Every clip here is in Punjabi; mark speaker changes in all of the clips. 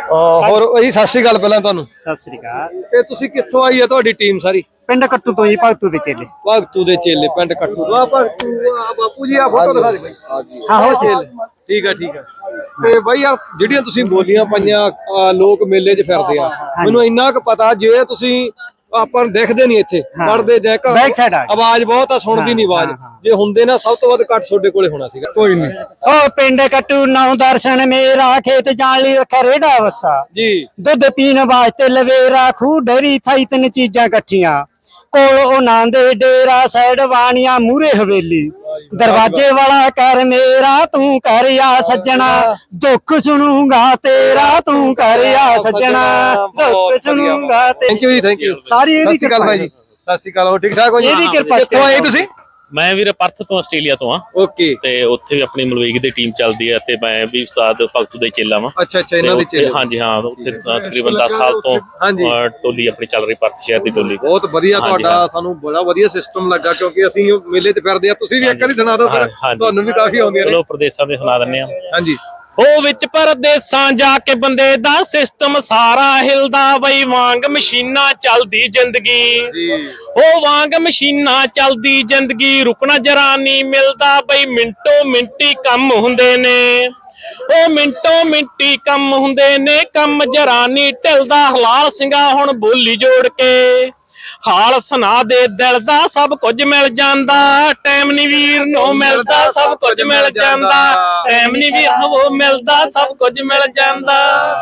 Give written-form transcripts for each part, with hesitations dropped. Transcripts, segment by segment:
Speaker 1: ਹੋਰ ਜੀ ਸਤਿ ਸ਼੍ਰੀ ਅਕਾਲ ਪਹਿਲਾਂ ਤੁਹਾਨੂੰ।
Speaker 2: ਸਤਿ ਸ੍ਰੀ ਅਕਾਲ।
Speaker 1: ਤੇ ਤੁਸੀਂ ਕਿੱਥੋਂ ਆਈ ਹੈ ਤੁਹਾਡੀ ਟੀਮ ਸਾਰੀ?
Speaker 2: ਪਿੰਡ ਕੱਟੂ ਤੋਂ ਜੀ, ਭਗਤੂ ਦੇ ਚੇਲੇ।
Speaker 1: ਭਗਤੂ ਦੇ ਚੇਲੇ, ਪਿੰਡ ਕੱਟੂ ਤੋਂ। ਆ ਭਗਤੂ, ਆ ਬਾਪੂ ਜੀ, ਆ ਫੋਟੋ ਦਿਖਾ ਦੇ ਬਾਈ।
Speaker 2: ਹਾਂ ਹੋ
Speaker 1: ਚੇਲੇ, ਠੀਕ ਆ ਠੀਕ ਆ। ਤੇ ਬਾਈ ਆ ਜਿਹੜੀਆਂ ਤੁਸੀਂ ਬੋਲੀਆਂ ਪਾਈਆਂ, ਲੋਕ ਮੇਲੇ 'ਚ ਫਿਰਦੇ ਆ, ਮੈਨੂੰ ਇੰਨਾ ਕੁ ਪਤਾ ਜੇ ਤੁਸੀਂ ਆਪਾਂ ਨੂੰ ਦੇਖਦੇ ਨਹੀਂ ਇੱਥੇ ਪੜਦੇ ਜੇ ਆਵਾਜ਼ ਬਹੁਤ ਆ, ਸੁਣਦੀ ਨਹੀਂ ਆਵਾਜ਼। ਜੇ ਹੁੰਦੇ ਨਾ ਸਭ ਤੋਂ ਵੱਧ ਘੱਟ ਤੁਹਾਡੇ ਕੋਲੇ ਹੋਣਾ ਸੀਗਾ। ਕੋਈ ਨਹੀਂ।
Speaker 2: ਉਹ ਪਿੰਡ ਕੱਟੂ ਨੌ ਦਰਸ਼ਨ ਮੇਰਾ, ਖੇਤ ਜਾਣ ਲਈ ਰੱਖਿਆ ਰੇੜਾ ਵੱਸਾ ਜੀ, ਦੁੱਧ ਪੀਣ ਵਾਸਤੇ ਲਵੇਰਾ, ਖੂਹ ਡੇਰੀ ਥਾਈ, ਤਿੰਨ ਚੀਜ਼ਾਂ ਇਕੱਠੀਆਂ। ਕੋਲ ਉਹਨਾਂ ਦੇ ਡੇਰਾ, ਸਾਈਡ ਵਾਣੀਆਂ, ਮੂਰੇ ਹਵੇਲੀ, ਦਰਵਾਜੇ ਵਾਲਾ ਕਰ ਮੇਰਾ, ਤੂੰ ਕਰ ਆ ਸੱਜਣਾ, ਦੁੱਖ ਸੁਣੂਗਾ ਤੇਰਾ, ਤੂੰ ਕਰ ਆ ਸੱਜਣਾ, ਦੁੱਖ ਸੁਣੂਗਾ।
Speaker 1: ਥੈਂਕ ਯੂ ਜੀ, ਥੈਂਕ ਯੂ।
Speaker 2: ਸਾਰੀ ਇਹਦੀ ਕਿਰਪਾ
Speaker 1: ਭਾਈ ਜੀ, ਸਤਿ ਸ਼੍ਰੀ ਅਕਾਲ। ਹੋ ਠੀਕ ਠਾਕ ਹੋ ਜੀ?
Speaker 2: ਇਹਦੀ ਕਿਰਪਾ।
Speaker 1: ਕਿੱਥੋਂ ਆਏ ਤੁਸੀਂ?
Speaker 3: ਮੈਂ ਵੀਰ ਪਰਥ ਤੋਂ ਆਸਟ੍ਰੇਲੀਆ ਤੋਂ ਆ।
Speaker 1: ਓਕੇ।
Speaker 3: ਤੇ ਉੱਥੇ ਵੀ ਆਪਣੀ ਮਲਵਈਕ ਦੀ ਟੀਮ ਚੱਲਦੀ ਹੈ ਤੇ ਮੈਂ ਵੀ ਉਸਤਾਦ ਭਗਤੂ ਦੇ ਚੇਲਾ ਵਾਂ।
Speaker 1: ਅੱਛਾ ਅੱਛਾ, ਇਹਨਾਂ ਦੇ ਚੇਲੇ।
Speaker 3: ਹਾਂਜੀ ਹਾਂ, ਉੱਥੇ ਤਕਰੀਬਨ 10 ਸਾਲ ਤੋਂ ਟੋਲੀ ਆਪਣੀ ਚੱਲ ਰਹੀ, ਪਰਥ ਸ਼ਹਿਰ ਦੀ ਟੋਲੀ।
Speaker 1: ਬਹੁਤ ਵਧੀਆ ਤੁਹਾਡਾ, ਸਾਨੂੰ ਬੜਾ ਵਧੀਆ ਸਿਸਟਮ ਲੱਗਾ, ਕਿਉਂਕਿ ਅਸੀਂ ਮੇਲੇ 'ਚ ਫਿਰਦੇ ਆ। ਤੁਸੀਂ ਵੀ ਇੱਕ ਵਾਰੀ ਸੁਣਾ ਦਿਓ ਫਿਰ, ਤੁਹਾਨੂੰ ਵੀ ਕਾਫੀ ਆਉਂਦੀਆਂ ਨੇ।
Speaker 3: ਚਲੋ ਪ੍ਰਦੇਸ਼ਾਂ ਦੇ ਸੁਣਾ ਦਿੰਦੇ ਆ।
Speaker 1: ਹਾਂਜੀ।
Speaker 3: ਉਹ ਵਿੱਚ ਪਰਦੇਸਾਂ ਜਾ ਕੇ ਬੰਦੇ ਦਾ ਸਿਸਟਮ ਸਾਰਾ ਹਿਲਦਾ ਬਈ, ਵਾਂਗ ਮਸ਼ੀਨਾਂ ਚੱਲਦੀ ਜ਼ਿੰਦਗੀ। ਉਹ ਵਾਂਗ ਮਸ਼ੀਨਾਂ ਚੱਲਦੀ ਜ਼ਿੰਦਗੀ, ਰੁਕਣਾ ਜਰਾ ਨਹੀਂ ਮਿਲਦਾ ਬਈ, ਮਿੰਟੋ ਮਿੰਟੀ ਕੰਮ ਹੁੰਦੇ ਨੇ। ਉਹ ਮਿੰਟੋ ਮਿੰਟੀ ਕੰਮ ਹੁੰਦੇ ਨੇ, ਕੰਮ ਜਰਾ ਨਹੀਂ ਢਿਲਦਾ। ਹਲਾਲ ਸਿੰਘਾ ਹੁਣ ਬੋਲੀ ਜੋੜ ਕੇ, ਹਾਲ ਸੁਣਾ ਦੇ ਦਿਲ ਦਾ, ਸਭ ਕੁਝ ਮਿਲ ਜਾਂਦਾ। ਟਾਈਮ ਨੀ ਵੀਰ ਨੂੰ ਮਿਲਦਾ, ਸਭ ਕੁਝ ਮਿਲ ਜਾਂਦਾ। ਟਾਈਮ ਨੀ ਵੀਰ ਨੂੰ ਮਿਲਦਾ, ਸਭ ਕੁਝ ਮਿਲ ਜਾਂਦਾ।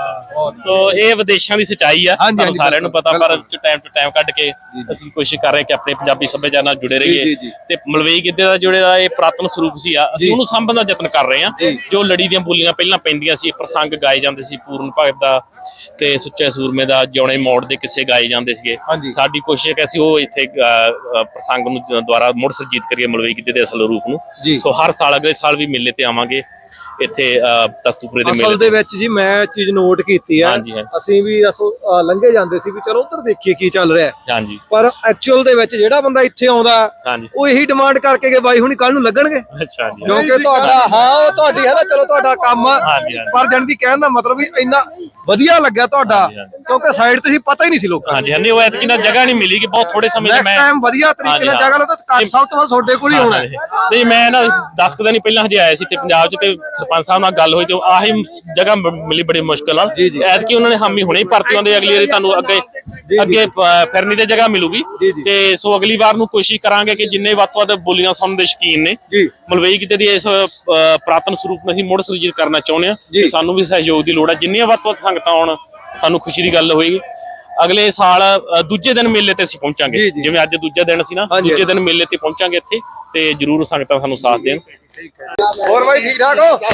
Speaker 3: ਸੋ ਇਹ ਵਿਦੇਸ਼ਾਂ ਦੀ ਸੱਚਾਈ ਆ, ਤੁਹਾਨੂੰ ਸਾਰਿਆਂ ਨੂੰ ਪਤਾ, ਪਰ ਟਾਈਮ ਟੂ ਟਾਈਮ ਕੱਢ ਕੇ ਅਸੀਂ ਕੋਸ਼ਿਸ਼ ਕਰ ਰਹੇ ਕਿ ਆਪਣੇ ਪੰਜਾਬੀ ਸੱਭਿਆਚਾਰ ਨਾਲ ਜੁੜੇ ਰਹੀਏ। ਤੇ ਮਲਵਈ ਗਿੱਧੇ ਦਾ ਜਿਹੜਾ ਇਹ ਪੁਰਾਤਨ ਸਰੂਪ ਸੀ ਆ, ਅਸੀਂ ਉਹਨੂੰ ਸਾਂਭਣ ਦਾ ਯਤਨ ਕਰ ਰਹੇ ਹਾਂ। ਜੋ ਲੜੀ ਦੀਆਂ ਬੋਲੀਆਂ ਪਹਿਲਾਂ ਪੈਂਦੀਆਂ ਸੀ, ਪ੍ਰਸੰਗ ਗਾਏ ਜਾਂਦੇ ਸੀ, ਪੂਰਨ ਭਗਤ ਦਾ ਤੇ ਸੁੱਚੇ ਸੂਰਮੇ ਦਾ, ਜਿਉਣੇ ਮੋੜ ਦੇ ਕਿੱਸੇ ਗਾਏ ਜਾਂਦੇ ਸੀਗੇ। ਸਾਡੀ ਕੋਸ਼ਿਸ਼ ਹੈ ਕਿ ਅਸੀਂ ਉਹ ਇੱਥੇ ਪ੍ਰਸੰਗ ਨੂੰ ਦੁਆਰਾ ਮੁੜ ਸੁਰਜੀਤ ਕਰੀਏ, ਮਲਵਈ ਗਿੱਧੇ ਦੇ ਅਸਲ ਰੂਪ ਨੂੰ। ਸੋ ਹਰ ਸਾਲ, ਅਗਲੇ ਸਾਲ ਵੀ ਮੇਲੇ ਤੇ ਆਵਾਂਗੇ ਇੱਥੇ ਤਖਤੂਪੁਰੇ ਦੇ ਮੇਲੇ। ਅਸਲ ਦੇ ਵਿੱਚ ਜੀ ਮੈਂ ਚੀਜ਼ ਨੋਟ ਕੀਤੀ ਹੈ, ਅਸੀਂ ਵੀ ਲੰਘੇ ਜਾਂਦੇ ਸੀ ਵੀ ਚਲੋ ਉੱਧਰ ਦੇਖੀਏ ਕੀ ਚੱਲ ਰਿਹਾ। ਹਾਂਜੀ। ਪਰ ਐਕਚੁਅਲ ਦੇ ਵਿੱਚ ਜਿਹੜਾ ਬੰਦਾ ਇੱਥੇ ਆਉਂਦਾ ਉਹ ਇਹੀ ਡਿਮਾਂਡ ਕਰਕੇ ਕਿ ਬਾਈ ਹੁਣੀ ਕੱਲ ਨੂੰ ਲੱਗਣਗੇ। ਅੱਛਾ ਜੀ। ਕਿਉਂਕਿ ਤੁਹਾਡਾ, ਹਾਂ ਉਹ ਤੁਹਾਡੀ ਹੈ ਨਾ, ਚਲੋ ਤੁਹਾਡਾ ਕੰਮ ਆ, ਪਰ ਜਾਣ ਦੀ ਕਹਿਣ ਦਾ ਮਤਲਬ ਵੀ ਇੰਨਾ ਵਧੀਆ ਲੱਗਿਆ ਤੁਹਾਡਾ, ਕਿਉਂਕਿ ਸਾਈਡ ਤੇ ਸੀ ਪਤਾ ਹੀ ਨਹੀਂ ਸੀ ਲੋਕਾਂ ਨੂੰ। ਹਾਂਜੀ, ਉਹ ਐਤਕੀ ਨਾ ਜਗ੍ਹਾ ਨਹੀਂ ਮਿਲੀ ਕਿ ਬਹੁਤ ਥੋੜੇ ਸਮੇਂ ਦੇ ਮੈਂ ਟਾਈਮ ਵਧੀਆ ਤਰੀਕੇ ਨਾਲ ਜਗ੍ਹਾ ਲਓ ਤਾਂ ਸਭ ਤੋਂ ਵੱਧ ਤੁਹਾਡੇ ਕੋਲ ਹੀ ਹੋਣਾ ਹੈ। ਨਹੀਂ, ਮੈਂ ਨਾ 10 ਦਿਨ ਹੀ ਪਹਿਲਾਂ ਹਜੇ ਆਇਆ ਸੀ ਤੇ ਪੰਜਾਬ 'ਚ, ਤੇ ਸਰਪੰਚ ਸਾਹਿਬ ਨਾਲ ਗੱਲ ਹੋਈ ਤੇ ਆਹੀ ਜਗ੍ਹਾ ਮਿਲੀ ਬੜੀ ਮੁਸ਼ਕਲ ਨਾਲ। ਐਤਕੀ ਉਹਨਾਂ ਨੇ ਹਾਮੀ ਹੁਣੇ ਹੀ ਭਰਤੀ ਆਉਂਦੇ, ਅਗਲੀ ਵਾਰੀ ਤੁਹਾਨੂੰ ਅੱਗੇ ਫਿਰਨੀ ਤੇ ਜਗ੍ਹਾ ਮਿਲੂਗੀ। ਤੇ ਸੋ ਅਗਲੀ ਵਾਰ ਨੂੰ ਕੋਸ਼ਿਸ਼ ਕਰਾਂਗੇ ਕਿ ਜਿੰਨੇ ਵੱਧ ਤੋਂ ਵੱਧ ਬੋਲੀਆਂ ਸੁਣਨ ਦੇ ਸ਼ੌਕੀਨ ਨੇ, ਮਲਵਈ ਗਿੱਧੇ ਦੀ ਇਸ ਪੁਰਾਤਨ ਸਰੂਪ ਨੂੰ ਅਸੀਂ ਮੁੜ ਸੁਰਜੀਤ ਕਰਨਾ ਚਾਹੁੰਦੇ ਹਾਂ। ਸਾਨੂੰ ਵੀ ਸਹਿਯੋਗ ਦੀ ਲੋੜ ਹੈ। ਜਿੰਨੀਆਂ ਵੱਧ ਤੋਂ ਵੱਧ ਸੰਗਤਾਂ ਆਉਣ, ਸਾਨੂੰ ਖੁਸ਼ੀ ਦੀ ਗੱਲ ਹੋਏਗੀ। ਅਗਲੇ ਸਾਲ ਦੂਜੇ ਦਿਨ ਮੇਲੇ ਤੇ ਅਸੀਂ ਪਹੁੰਚਾਂਗੇ, ਜਿਵੇਂ ਅੱਜ ਦੂਜਾ ਦਿਨ ਸੀ ਨਾ, ਦੂਜੇ ਦਿਨ ਮੇਲੇ ਤੇ ਪਹੁੰਚਾਂਗੇ ਇੱਥੇ, ਤੇ ਜਰੂਰ ਸੰਗਤਾਂ ਸਾਨੂੰ ਸਾਥ ਦੇਣ। ਹੋਰ ਬਾਈ ਠੀਕ ਠਾਕ ਹੋ?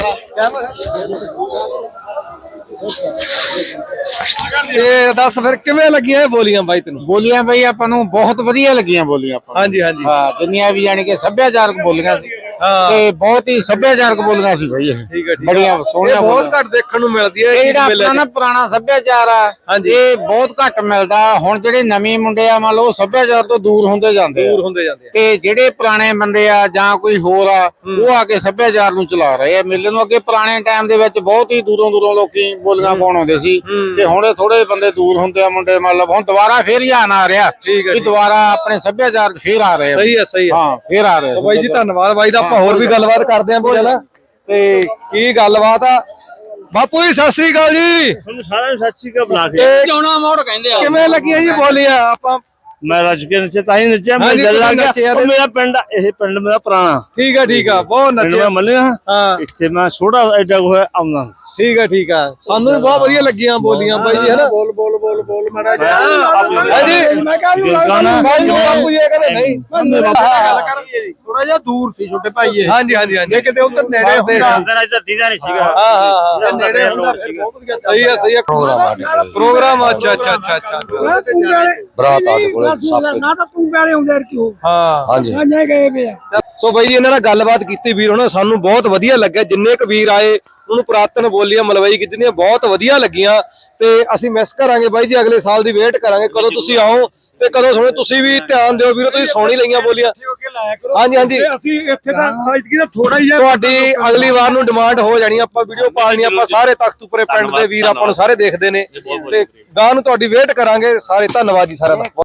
Speaker 3: ਤੇ ਦੱਸ ਫਿਰ ਕਿਵੇਂ ਲੱਗੀਆਂ ਇਹ ਬੋਲੀਆਂ ਬਾਈ ਤੈਨੂੰ?
Speaker 4: ਬੋਲੀਆਂ ਬਾਈ ਆਪਾਂ ਨੂੰ ਬਹੁਤ ਵਧੀਆ ਲੱਗੀਆਂ ਬੋਲੀਆਂ ਆਪਾਂ।
Speaker 1: ਹਾਂਜੀ ਹਾਂਜੀ।
Speaker 4: ਹਾਂ, ਦੁਨੀਆ ਵੀ ਜਾਣੀ ਕਿ ਸੱਭਿਆਚਾਰਕ ਬੋਲੀਆਂ ਸੀ ਤੇ ਬਹੁਤ ਹੀ ਸੱਭਿਆਚਾਰਕ ਬੋਲੀਆਂ ਸੀ ਬਾਈ। ਇਹ ਬੜੀਆਂ ਸੋਹਣੀਆਂ, ਬਹੁਤ
Speaker 1: ਘੱਟ ਦੇਖਣ ਨੂੰ ਮਿਲਦੀ ਹੈ।
Speaker 4: ਇਹ ਆਪਣਾ ਪੁਰਾਣਾ ਸੱਭਿਆਚਾਰ ਆ, ਇਹ ਬਹੁਤ ਘੱਟ ਮਿਲਦਾ। ਹੁਣ ਜਿਹੜੇ ਨਵੇਂ ਮੁੰਡੇ ਆ, ਮੰਨ ਲਓ ਸੱਭਿਆਚਾਰ ਤੋਂ ਦੂਰ ਹੁੰਦੇ ਜਾਂਦੇ ਆ, ਤੇ ਜਿਹੜੇ ਪੁਰਾਣੇ ਬੰਦੇ ਆ ਜਾਂ ਕੋਈ ਹੋਰ ਆ, ਉਹ ਆ ਕੇ ਸੱਭਿਆਚਾਰ ਨੂੰ ਚਲਾ ਰਹੇ ਆ ਮੇਲੇ ਨੂੰ। ਅੱਗੇ ਪੁਰਾਣੇ ਟਾਈਮ ਦੇ ਵਿੱਚ ਬਹੁਤ ਹੀ ਦੂਰੋਂ ਲੋਕੀ ਬੋਲੀਆਂ ਪਾਉਣ ਆਉਂਦੇ ਸੀ, ਤੇ ਹੁਣ ਥੋੜੇ ਬੰਦੇ ਦੂਰ ਹੁੰਦੇ ਆ ਮੁੰਡੇ। ਮਤਲਬ ਹੁਣ ਦੁਬਾਰਾ ਫੇਰ ਧਿਆਨ ਆ ਰਿਹਾ ਕਿ ਦੁਬਾਰਾ ਆਪਣੇ ਸੱਭਿਆਚਾਰ ਫੇਰ ਆ ਰਹੇ ਆ।
Speaker 1: ਸਹੀ ਹੈ, ਸਹੀ ਹੈ।
Speaker 4: ਹਾਂ, ਫੇਰ ਆ ਰਹੇ
Speaker 1: ਬਾਈ ਜੀ, ਧੰਨਵਾਦ ਬਾਈ ਦਾ। ਆਪਾਂ ਹੋਰ ਵੀ ਗੱਲਬਾਤ ਕਰਦੇ ਆਂ ਪਹਿਲਾਂ। ਤੇ ਕੀ ਗੱਲਬਾਤ ਆ ਬਾਪੂ ਜੀ? ਸਤਿ ਸ੍ਰੀ ਅਕਾਲ ਜੀ।
Speaker 5: ਤੁਹਾਨੂੰ ਸਾਰਿਆਂ ਨੂੰ ਸਤਿ ਸ੍ਰੀ ਅਕਾਲ ਬੁਲਾ ਕੇ।
Speaker 2: ਕਿਉਂ ਮੋੜ ਕਹਿੰਦੇ ਆ।
Speaker 1: ਕਿਵੇਂ ਲੱਗੀਆਂ ਜੀ ਬੋਲੀਆਂ? ਆਪਾਂ
Speaker 5: ਮੈਂ ਰੱਜ ਕੇ ਨੱਚਿਆ, ਤਾਂ ਹੀ ਨੱਚਿਆ। ਮੈਂ ਦਿਲ ਲੱਗ ਗਿਆ। ਮੇਰਾ ਪਿੰਡ, ਇਹ ਪਿੰਡ ਮੇਰਾ ਪੁਰਾਣਾ।
Speaker 1: ਠੀਕ ਆ ਠੀਕ ਆ, ਬਹੁਤ ਨੱਚਿਆ।
Speaker 5: ਮੰਨਿਆ ਇੱਥੇ ਮੈਂ ਛੋਟਾ ਐਡਾ ਹੋਇਆ ਆਉਂਦਾ।
Speaker 1: ਠੀਕ ਆ ਠੀਕ ਆ, ਸਾਨੂੰ ਵੀ ਬਹੁਤ ਵਧੀਆ ਲੱਗੀਆਂ ਬੋਲੀਆਂ ਬਾਈ ਜੀ, ਹੈਨਾ। ਬੋਲ ਬੋਲ ਬੋਲ ਬੋਲ ਮਾੜਾ ਜਿਹਾ। ਹਾਂਜੀ, ਮੈਂ ਕਹਾਂ ਬਾਈ ਨੂੰ ਬਾਪੂ ਜੀ ਕਹਿੰਦੇ ਨਹੀਂ,
Speaker 2: ਥੋੜਾ ਜਿਹਾ ਦੂਰ ਸੀ ਛੋਟੇ ਭਾਈ ਇਹ।
Speaker 1: ਹਾਂਜੀ ਹਾਂਜੀ ਹਾਂਜੀ,
Speaker 2: ਕਿਤੇ ਉਧਰ ਨੇੜੇ ਹੁੰਦਾ
Speaker 5: ਧਰਤੀ ਦਾ ਨਹੀਂ ਸੀਗਾ।
Speaker 1: ਹਾਂ ਹਾਂ,
Speaker 2: ਨੇੜੇ ਹੁੰਦਾ ਫਿਰ ਬਹੁਤ ਵਧੀਆ।
Speaker 1: ਸਹੀ ਆ ਸਹੀ ਆ। ਪ੍ਰੋਗਰਾਮ ਅੱਛਾ ਅੱਛਾ ਅੱਛਾ ਅੱਛਾ।
Speaker 4: ਬਰਾਤ ਆ ਕੋਲੇ
Speaker 2: ਨਾ ਤਾਂ ਤੂੰ ਵਾਲੇ ਆਉਂਦੇ ਕਿਉਂ?
Speaker 1: ਹਾਂ
Speaker 4: ਹਾਂਜੀ,
Speaker 2: ਮੈਂ ਗਏ ਵੇ ਆ।
Speaker 1: ਸੋ ਬਾਈ ਜੀ, ਇਹਨਾਂ ਨਾਲ ਗੱਲਬਾਤ ਕੀਤੀ ਵੀਰ ਉਹਨਾਂ, ਸਾਨੂੰ ਬਹੁਤ ਵਧੀਆ ਲੱਗਿਆ। ਜਿੰਨੇ ਕੁ ਵੀਰ ਆਏ ਉਹਨੂੰ ਪੁਰਾਤਨ ਬੋਲੀਆਂ ਮਲਵਈ ਗਿੱਧੀਆਂ ਬਹੁਤ ਵਧੀਆ ਲੱਗੀਆਂ, ਤੇ ਅਸੀਂ ਮਿਸ ਕਰਾਂਗੇ ਬਾਈ ਜੀ। ਅਗਲੇ ਸਾਲ ਦੀ ਵੇਟ ਕਰਾਂਗੇ ਕਦੋਂ ਤੁਸੀਂ ਆਓ ਤੇ ਕਦੋਂ ਸੁਣੇ ਤੁਸੀਂ ਵੀ ਧਿਆਨ ਦਿਓ ਵੀਰੋ, ਤੁਸੀਂ ਸੁਣ ਹੀ ਲਈਆਂ ਬੋਲੀਆਂ। ਹਾਂਜੀ ਹਾਂਜੀ
Speaker 5: ਅਸੀਂ ਇੱਥੇ ਤਾਂ ਥੋੜਾ ਹੀ
Speaker 1: ਤੁਹਾਡੀ ਅਗਲੀ ਵਾਰ ਨੂੰ ਡਿਮਾਂਡ ਹੋ ਜਾਣੀ, ਆਪਾਂ ਵੀਡੀਓ ਪਾਲਣੀ, ਆਪਾਂ ਸਾਰੇ ਤਖਤੂਪੁਰੇ ਪਿੰਡ ਦੇ ਵੀਰ ਆਪਾਂ ਨੂੰ ਸਾਰੇ ਦੇਖਦੇ ਨੇ ਤੇ ਗਾਂ ਨੂੰ ਤੁਹਾਡੀ ਵੇਟ ਕਰਾਂਗੇ ਸਾਰੇ। ਧੰਨਵਾਦ ਜੀ ਸਾਰਿਆਂ ਦਾ।